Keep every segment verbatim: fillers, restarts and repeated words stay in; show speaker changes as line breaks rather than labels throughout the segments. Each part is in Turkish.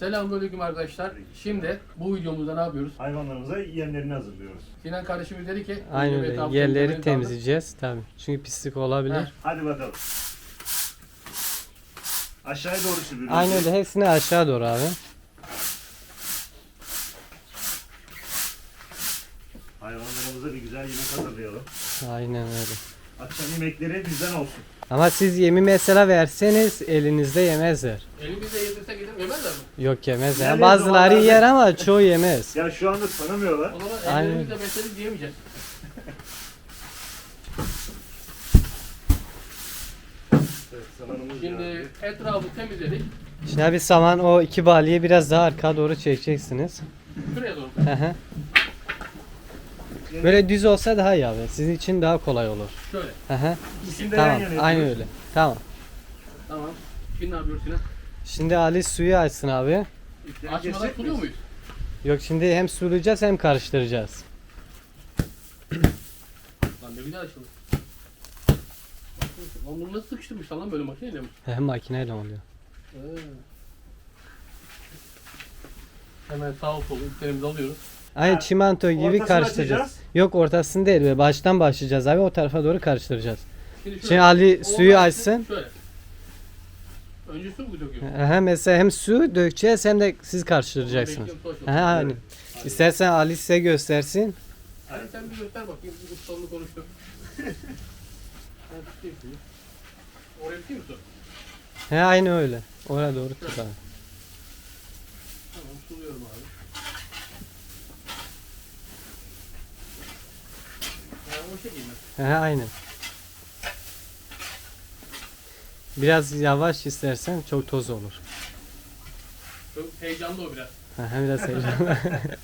Selamünaleyküm arkadaşlar. Şimdi bu videomuzda ne yapıyoruz?
Hayvanlarımıza yemlerini hazırlıyoruz.
Sinan kardeşimiz dedi ki
Aynen
yemeği
öyle.
tam
Yerleri
temizleyelim,
temizleyeceğiz tabii. Çünkü pislik olabilir.
Heh.
Hadi bakalım. Aşağıya doğru sürüyoruz.
Aynen öyle. Hepsini aşağı doğru abi.
Hayvanlarımıza bir güzel yemek hazırlayalım.
Aynen öyle.
Akşam yemekleri bizden olsun.
Ama siz yemi mesela verseniz elinizde yemezler.
Elimizle yedirsek gidip yemezler mi?
Yok yemezler.
Yani
Bazıları
zamanlarda-
yer ama çoğu yemez.
Ya şu anda tanımıyorlar.
O zaman
Aynen.
ellerimizle besledik diyemeyeceğiz.
Evet, zamanımız
Şimdi
geldi.
etrafı temizledik.
Şimdi abi saman o iki balyeyi biraz daha arkaya doğru çekeceksiniz.
Şuraya doğru.
Hı hı. Böyle düz olsa daha iyi abi. Sizin için daha kolay olur.
Şöyle.
Hı hı.
İkisini de yan
Tamam.
yana
Aynen
yapıyoruz.
öyle. Tamam.
Tamam. Şimdi ne yapıyoruz Sinan?
Şimdi Ali suyu açsın abi.
İpleri
Açmadan
kesecek
suluyor
miyiz?
muyuz?
Yok şimdi hem sulayacağız hem karıştıracağız.
Lan ne güzel açıldı. Lan bunu nasıl sıkıştırmışlar lan böyle makineyle mi?
Hem makineyle oluyor.
Ee. Hemen sağ sol iplerimizi alıyoruz.
Aynı
Ha,
çimento gibi
ortasını
karıştıracağız.
açacağız.
Yok ortasını değil be. Baştan başlayacağız abi. O tarafa doğru karıştıracağız.
Şimdi, şöyle,
Şimdi Ali
o
suyu
açsın,
açsın.
Şöyle. Önce su mu döküyoruz?
Aha, mesela hem su dökeceğiz hem de siz karıştıracaksınız.
Bekliyorum, su açalım.
Aha, aynı.
Hadi.
İstersen Ali size göstersin.
Hadi sen bir göster bakayım. Bu ustalığını konuştuk. Ben tutayım suyu. Oraya tutayım mı su?
He aynı öyle. Oraya doğru tut abi.
Tamam suluyorum abi. Ha, o şekilde.
He aynı. Biraz yavaş istersen çok toz olur.
Çok heyecanlı o biraz.
Aha, biraz heyecanlı.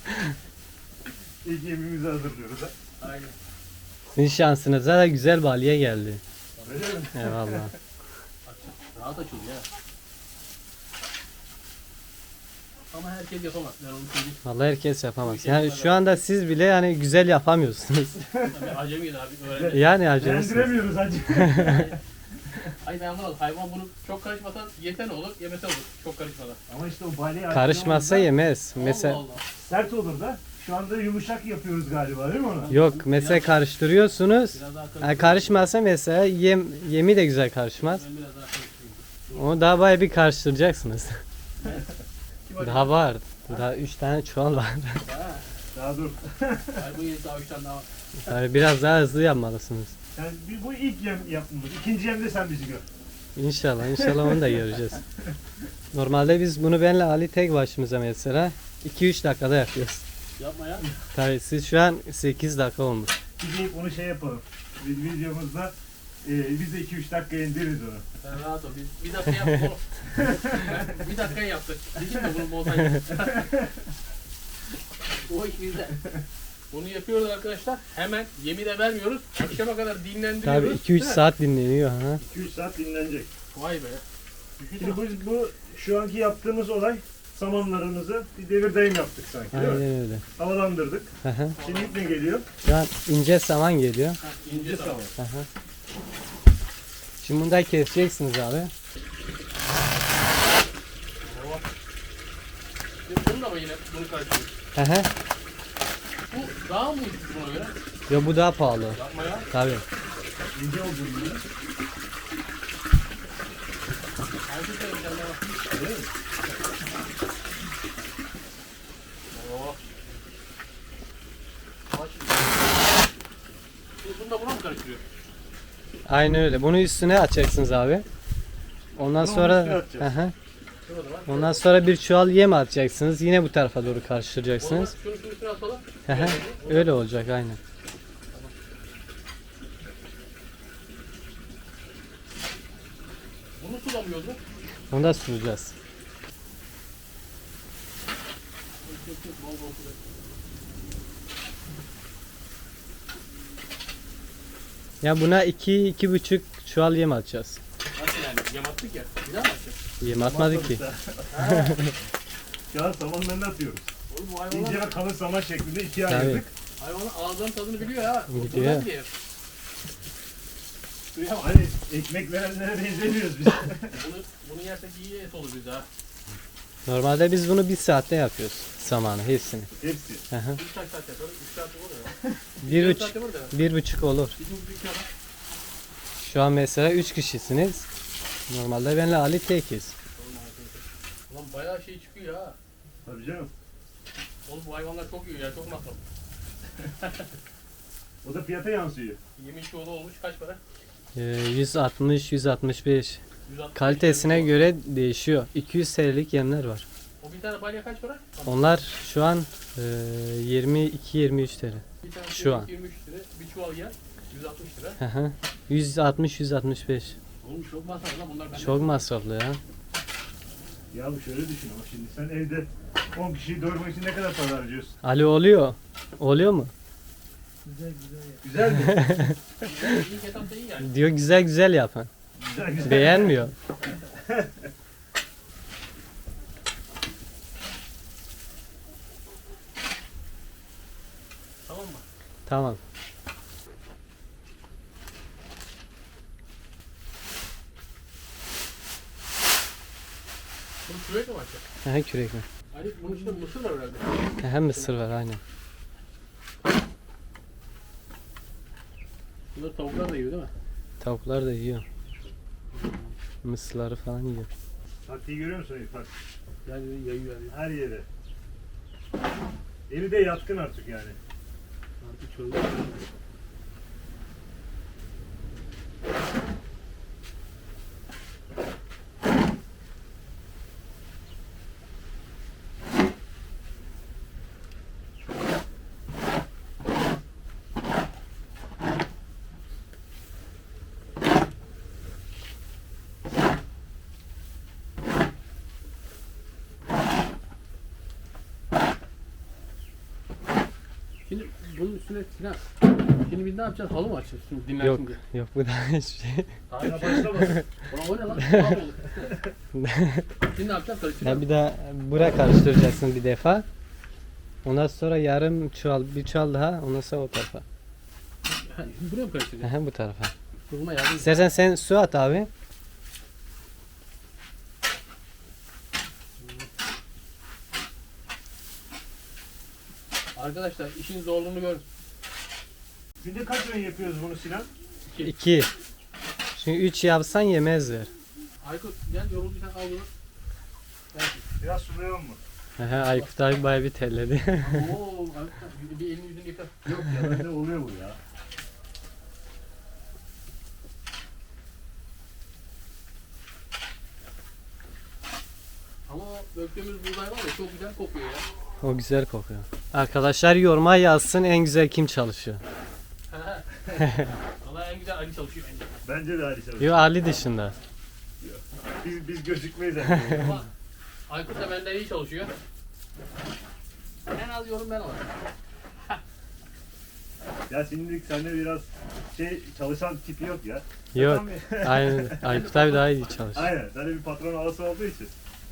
İlk yemimizi hazırlıyoruz. ha.
Aynen.
Sizin şansınıza da güzel balya geldi.
Öyle mi?
Eyvallah.
Rahat açıldı ya. Ama herkes yapamaz. Ben onu söyleyeyim.
Vallahi herkes yapamaz. Yani şu anda siz bile yani güzel yapamıyorsunuz.
Tabii acemiyiz abi. Öyle.
Yani acemisiniz.
Beğendiremiyoruz hacı.
Ay ben anlamadım. Hayvan bunu çok karışmasan yese ne olur, yemese olur. Çok karışmadan.
Ama işte o balya
Karışmazsa
açtığımızda
yemez. Mesela
Allah Allah.
sert olur da. Şu anda yumuşak yapıyoruz galiba değil mi ona?
yok mesela karıştırıyorsunuz.
Biraz daha karıştırayım.
Yani karışmazsa mesela yem yemi de güzel karışmaz.
Ben biraz daha karıştırayım.
Onu daha bayağı bir karıştıracaksınız.
Kim acaba?
Daha var. Daha üç tane çuval var.
Ha.
Daha dur.
Ay bu yedi daha üç tane daha var.
Yani biraz daha hızlı yapmalısınız.
Yani bir- bu ilk yem yapmamız. İkinci yemde sen bizi gör.
İnşallah, inşallah onu da göreceğiz. Normalde biz bunu benle Ali tek başımıza mesela iki üç dakikada yapıyoruz.
Yapma ya.
Tabii siz şu an sekiz dakika olmuş.
Bir deyip onu şey yapalım. Biz videomuzda e, biz de iki üç dakika indiririz onu.
Sen rahat ol. Biz bir dakika yaptık onu. Ben bir dakika yaptık. Dedim de bunu bozmayın. O iş bizde. Bunu yapıyoruz arkadaşlar. Hemen yemi de vermiyoruz. Akşama kadar dinlendiriyoruz.
Tabii iki üç
Değil mi?
saat dinleniyor ha.
iki üç saat dinlenecek.
Vay be.
Şimdi bu, bu şu anki yaptığımız olay samanlarımızı bir devir dayım yaptık sanki değil mi?
Aynen öyle.
Havalandırdık.
Hı hı.
Şimdi ne geliyor?
Şu an ince saman geliyor.
Ha, ince tamam.
Hı hı. Şimdi bunu da keseceksiniz abi.
Şimdi bunu da mı yine bunu karıştırıyoruz?
Hı hı.
Bu daha mı ucuz buna göre?
Ya bu daha pahalı.
Yapma ya.
Tabii.
İnce olduğunu biliyor.
Hangi sayı var?
Değil mi?
Oo. Bak şimdi. Şimdi bunu da buna mı karıştırıyor?
Aynen öyle. Bunu üstüne atacaksınız abi. Ondan
Bunu
sonra
üstüne atacağız.
hı hı.
Şurada var.
Ondan sonra bir çuval yem atacaksınız. Yine bu tarafa doğru
O zaman
karıştıracaksınız.
şunu şunu üstüne atalım.
Hı hı. Öyle olacak aynen.
Bunu sulamıyoruz mu?
Onu da süreceğiz.
Bol bol sulayalım.
Ya buna iki iki buçuk çuval yem atacağız.
Nasıl yani? Yem attık ya. Bir daha mı atacağız?
Yem atmadık ki.
Ha.
Şu an samanlarını atıyoruz.
Oğlum bu
İnce
hayvanlar
ve kalın saman şeklinde ikiye
Tabii.
ayırdık.
hayvanın ağızlarının tadını biliyor ya.
Biliyor.
Oturmaz diye. Suya bak.
Hani ekmek verenlere benzemiyoruz biz.
Bunu, bunu yersek iyi et olur bize ha.
Normalde biz bunu bir saatte yapıyoruz. Samanı hepsini.
Hepsi.
Hı hı.
Üç kaç saat yaparız? Üç saat olur ya.
bir,
Dört
üç,
saat yapar da.
bir buçuk olur.
Bizim bir iki adam.
Şu an mesela üç kişisiniz. Normalde benle Ali tekiz.
Ulan bayağı şey çıkıyor ha.
Tabii canım.
Oğlum bu hayvanlar çok iyi ya, çok masraflı.
O da fiyata yansıyor.
Yemin çoğulu olmuş kaç para?
Ee, yüz altmış yüz altmış beş.
yüz altmış
Kalitesine
lira.
göre değişiyor. iki yüz T L'lik yemler var.
O bir tane balya kaç para?
Onlar şu an e, yirmi iki yirmi üç T L.
Bir tane
Şu an.
yirmi üç lira, bir çuval yer yüz altmış lira.
Hı hı. yüz altmış yüz altmış beş.
Oğlum çok masraflı lan bunlar. bende.
Çok masraflı ya.
Ya bu şöyle düşün ama şimdi sen evde on kişiyi doyurmak için ne kadar para harcıyorsun?
Ali oluyor. Oluyor mu?
Güzel mi?
Yani ilk etapta iyi yani.
Diyor güzel güzel yapın.
Güzel güzel.
Beğenmiyor.
Tamam mı?
Tamam.
Bunu kürekle mi açacak?
Aha kürek mi?
Ali bunun içinde mısır var herhalde.
Hem mısır var aynen.
Bunlar tavuklar da yiyor değil mi?
Tavuklar da yiyor. Mısırları falan yiyor.
Taktiği görüyor musun İrfan?
Yani yayıyor yani.
Her yere. Eli de yatkın artık yani.
Artık çölde. Şimdi bunun üstüne Sinan. Şimdi biz ne yapacağız? Halı mı açacağız? Şimdi dinlensin
Yok
diye.
yok bu da hiçbir şey.
Daha
Daha
bir şey.
başlamadı.
Ulan o ne lan? Tuhaf oldu. Şimdi ne yapacağız?
Ya
Karıştıracağız.
bir daha buraya karıştıracaksın bir defa. Ondan sonra yarım çuval, bir çuval daha, ondan sonra o tarafa.
Ha, şimdi buraya mı karıştıracağız?
Aha bu tarafa.
Kurulma yardım.
İstersen sen su at abi.
Arkadaşlar işin zorluğunu görün.
Günde kaç öğün yapıyoruz bunu Sinan?
İki. Çünkü üç yapsan yemezler.
Aykut gel yorulduysan al bunu. Gel.
Biraz sulayalım mı?
Aha Aykut abi bayağı bir telledi.
Oo, Aykut bir elini yüzünü yıka.
Yok ya bende oluyor bu ya.
Ama o döktüğümüz buğday var ya çok güzel kokuyor ya.
O güzel kokuyor. Arkadaşlar yoruma yazsın en güzel kim çalışıyor.
Valla en güzel Ali çalışıyor bence.
Bence de hadi çalışıyor.
Yo Ali dışında.
Biz, biz gözükmeyiz yani.
Ama Aykut da benden iyi çalışıyor. En az yorum ben alırım.
Ya şimdilik sende biraz şey çalışan tipi yok ya.
Yok.
Tamam ya.
Aynen. Aykut abi daha iyi çalışıyor.
Aynen. Sende bir patron havası olduğu için.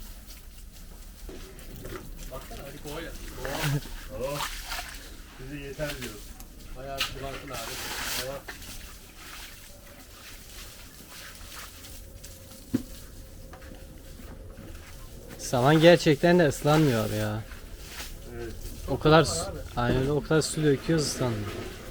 Baksana Ali kovayla.
Oh. Bize yeter diyoruz.
Bayağı bir bulansın abi. Bayağı.
Saman gerçekten de ıslanmıyor ya.
Evet.
O kadar
var
su,
abi.
aynen o kadar su döküyoruz ıslanmıyor.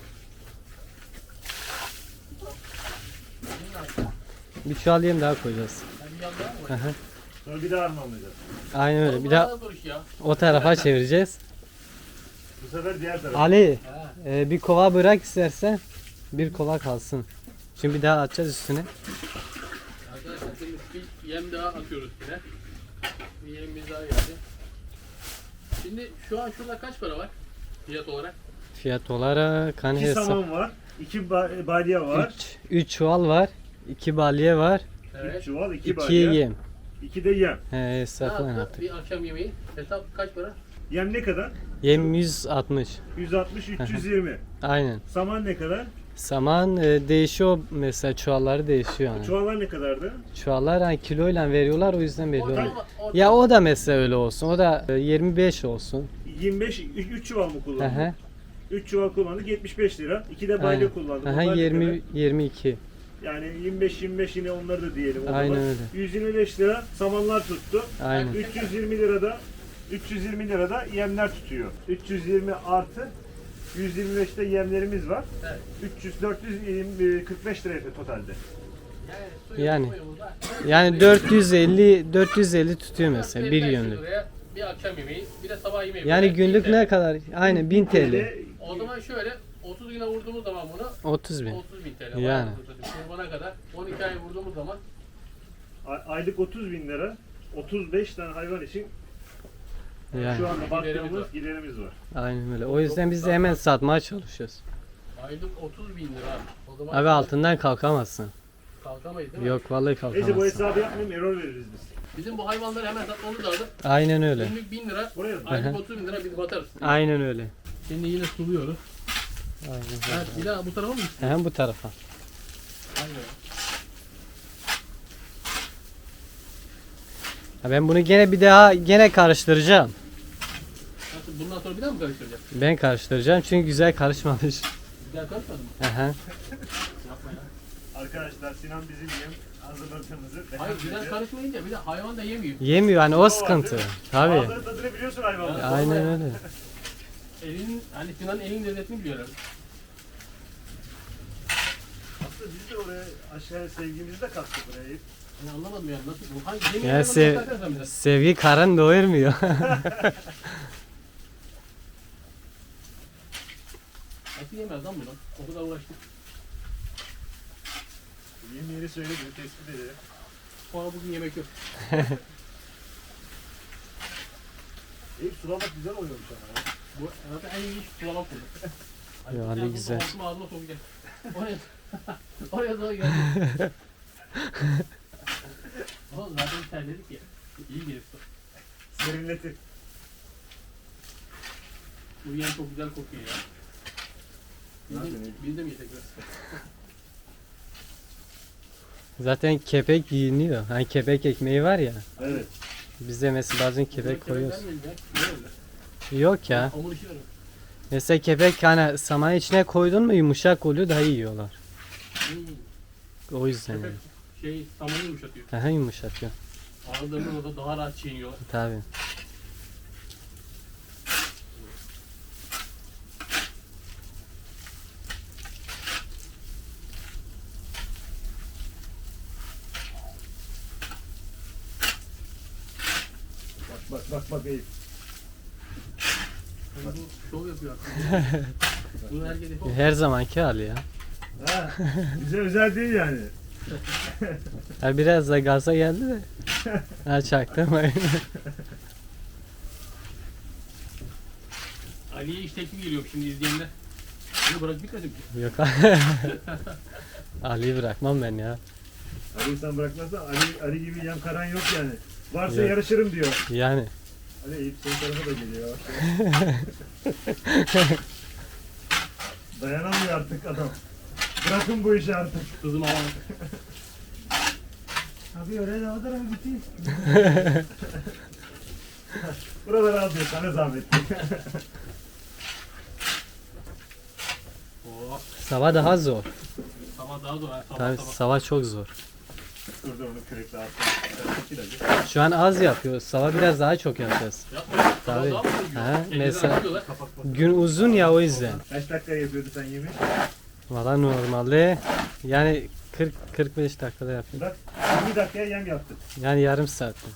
Bir çuval yem daha koyacağız.
Ben bir yandan mı?
Aha.
Sonra bir daha harmanlayacağız.
Aynen öyle. Bir
Oğlum,
daha
bayağı zor iş ya.
o tarafa çevireceğiz.
Bu sefer diğer tarafa.
Ali
Ha.
e, bir kova bırak istersen. Bir kova kalsın. Şimdi bir daha atacağız üstüne.
Arkadaşlar şimdi bir yem daha atıyoruz yine. Bir yemimiz daha geldi. Şimdi şu an şurada kaç para var? Fiyat olarak.
Fiyat olarak hani
İki
hesap.
saman var. iki ba- balya var.
üç, üç çuval var. iki balye var.
Evet.
üç çuval, iki
iki
balya.
yem.
iki de yem.
He
Ne
hesapla
yaptı?
yaptık.
Bir akşam yemeği. Hesap kaç para?
Yem ne kadar?
Yem yüz altmış.
yüz altmış üç yüz yirmi.
Aynen.
Saman ne kadar?
Saman e, değişiyor mesela çuvalları değişiyor yani.
Çuvallar ne kadardı?
Çuvallar hani kiloyla veriyorlar o yüzden belli
Ortalama-
olmuyor.
ortalama-
Ya o da mesela öyle olsun. O da e, yirmi beş olsun.
yirmi beş, üç çuval mı
Hı
kullandın?
hı.
üç çuval kullandık yetmiş beş lira. iki de balya
Aynen.
kullandık.
Aha,
Onlar ne
yirmi
kadar?
yirmi iki.
Yani yirmi beş yirmi beş yine onları da diyelim. O
Aynen
zaman.
öyle.
yüz yirmi beş lira samanlar tuttu.
Aynen.
üç yüz yirmi lirada üç yüz yirmi lirada yemler tutuyor. üç yüz yirmi artı yüz yirmi beşte yemlerimiz var.
Evet.
üç yüz dört yüz kırk beş lira yapıyor totalde.
Yani, suyu
Yani.
koyduğumuzda-
Yani dört yüz elli dört yüz elli tutuyor mesela bir
beş yüz
yönlük.
liraya Bir akşam yemeği, bir de sabah yemeği.
Yani
böyle
günlük
bin T L.
ne kadar? Aynen bin T L.
O zaman şöyle otuz güne vurduğumuz zaman bunu
otuz bin.
otuz bin T L.
Yani.
Yani. Kurbana kadar on iki ay vurduğumuz zaman
Ay- Aylık otuz bin lira, otuz beş tane hayvan için
Yani.
şu anda
Giderimiz
baktığımız
var.
giderimiz var.
Aynen öyle. O yüzden biz de hemen satmaya çalışıyoruz.
aylık otuz bin lira. O zaman
Abi altından kalkamazsın.
kalkamayız değil mi?
Yok vallahi
Neyse bu
kalkamazsın.
hesabı yapmayayım, error veririz biz.
Bizim bu hayvanları hemen satmamız lazım.
Aynen öyle.
Günlük bin lira,
Buraya mı?
aylık otuz bin lira biz batarız.
Aynen öyle.
Şimdi yine suluyoruz.
Aynen
Evet, bir daha bu tarafa mı gitsin?
öyle. Hem bu tarafa.
Aynen.
Ha ben bunu gene bir daha gene karıştıracağım.
Nasıl, bundan sonra bir daha mı karıştıracağız?
Ben karıştıracağım çünkü güzel karışmamış.
Güzel karışmadı mı?
Aha.
Yapma ya.
Arkadaşlar Sinan bizim yem hazırladığımızı
Hayır güzel karışmayınca bir de hayvan da yemiyor.
Yemiyor hani o
var,
sıkıntı.
değil mi?
Tabii.
Bazıları tadını biliyorsun hayvanın.
Ya.
Aynen öyle.
Elin, hani Sinan'ın elin lezzetini biliyorlar.
Aslında biz de oraya aşağıya sevgimizi de kattık buraya.
Ben anlamadım yani nasıl bu? Hangi yemeği
Ya
hayvanı
sev,
bakarsan sen bize.
sevgi karın doyurmuyor.
Nasıl yemez lan bunu? O kadar uğraştık.
Yem yeri söyledi, tespit edelim.
Sonra bugün yemek yok.
Eyüp sulamak güzel oluyormuş ama ya.
Bu zaten en iyi iş sulama kurdu.
Ya, hadi güzel.
Ağzıma ağzıma sokacak. Oraya, oraya doğru geldi. Oğlum zaten terledik ya. İyi gelir su.
Serinletir.
Bu yem çok güzel kokuyor ya. Biz de,
Zaten iyi.
biz de mi yesek biraz?
Zaten kepek yiyiniyor. Hani kepek ekmeği var ya.
Evet.
Biz de mesela bazen kepek
Bunları
koyuyoruz.
vermeyin ya. Niye öyle?
Yok ya.
Hamur işi verin.
Mesela kepek hani saman içine koydun mu yumuşak oluyor daha iyi yiyorlar.
Hmm.
O yüzden yani.
Köpek şey samanı yumuşatıyor.
Aha yumuşatıyor.
Ağızlarında da daha rahat çiğniyorlar.
Tabii.
Bak bak bak bak Eyüp.
Bu şov yapıyor aslında. Bunu herkes yapamaz.
Her zamanki hali ya.
Ha, bize özel değil yani.
Ha biraz da gaza geldi de. Ha çaktırmayın.
Ali'ye iş teklifi geliyor şimdi izleyenler. Bunu bırak bitmedim ki.
Yok. Ali'yi bırakmam ben ya.
Ali sen bırakmazsan Ali, Ali gibi yem karan yok yani. Varsa
Yok.
yarışırım diyor.
Yani.
Ali Eyüp senin tarafa da geliyor. Dayanamıyor artık adam. Bırakın bu işi artık.
Kızım ama
Abi öyle de o tarafa gideyim. Buraları al diyor sana zahmet.
oh,
Sava daha zor.
sabah daha zor. ha, Sabah
Tabii
sabah.
sava çok zor.
Dur dur onu kürekle attım.
Şu an az yapıyor. Sava biraz daha çok yapacağız.
Yapma. Sabah
Tabii.
daha mı üzüyor?
Ha,
Elinize
mesela-
atıyorlar.
Gün uzun ya o yüzden.
Kaç dakika yapıyordu sen yemeği?
Valla normalde yani kırk kırk beş dakikada yapıyor.
Bak yirmi dakikaya yem yaptık.
Yani yarım saatte.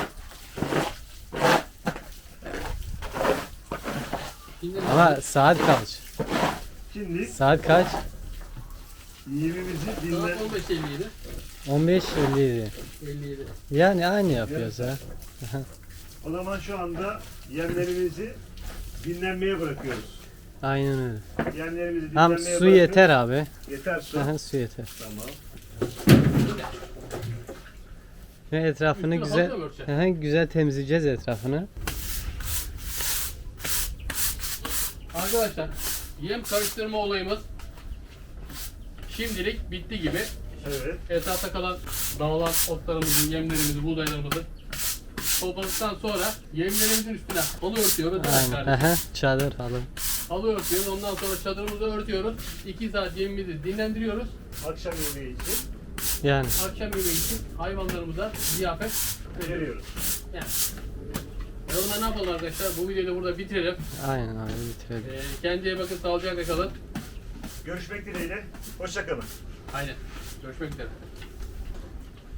Şimdi
Ama saat kaç?
Şimdi
Saat kaç?
yemimizi dinle.
saat on beş elli yedi.
on beş elli yedi.
elli yedi.
Yani aynı yapıyoruz ha.
O zaman şu anda yemlerimizi dinlenmeye bırakıyoruz.
Aynen öyle.
Yemlerimizi dinlenmeye
Tam
bırakıyoruz.
su yeter abi.
Yeter su.
Aha, su yeter.
Tamam.
Ve etrafını
Üstüne
güzel
halka mı örteceksin?
aha, güzel temizleyeceğiz etrafını.
Arkadaşlar yem karıştırma olayımız şimdilik bitti gibi.
Evet.
Etrafta kalan dağılan otlarımızı, yemlerimizi, buğdaylarımızı topladıktan sonra yemlerimizin üstüne halı örtüyoruz.
Aynen. Aha, çadır halı.
halı örtüyoruz. Ondan sonra çadırımızı örtüyoruz. iki saat yemimizi dinlendiriyoruz.
Akşam yemeği için
Yani
Akşam yemeği için hayvanlarımıza ziyafet veriyoruz.
veriyoruz.
Yani. E o zaman ne yapalım arkadaşlar? Bu videoyu da burada bitirelim.
aynen abi bitirelim.
Ee, kendinize bakın, sağlıcakla kalın.
Görüşmek dileğiyle. Hoşça kalın.
Aynen. Görüşmek üzere.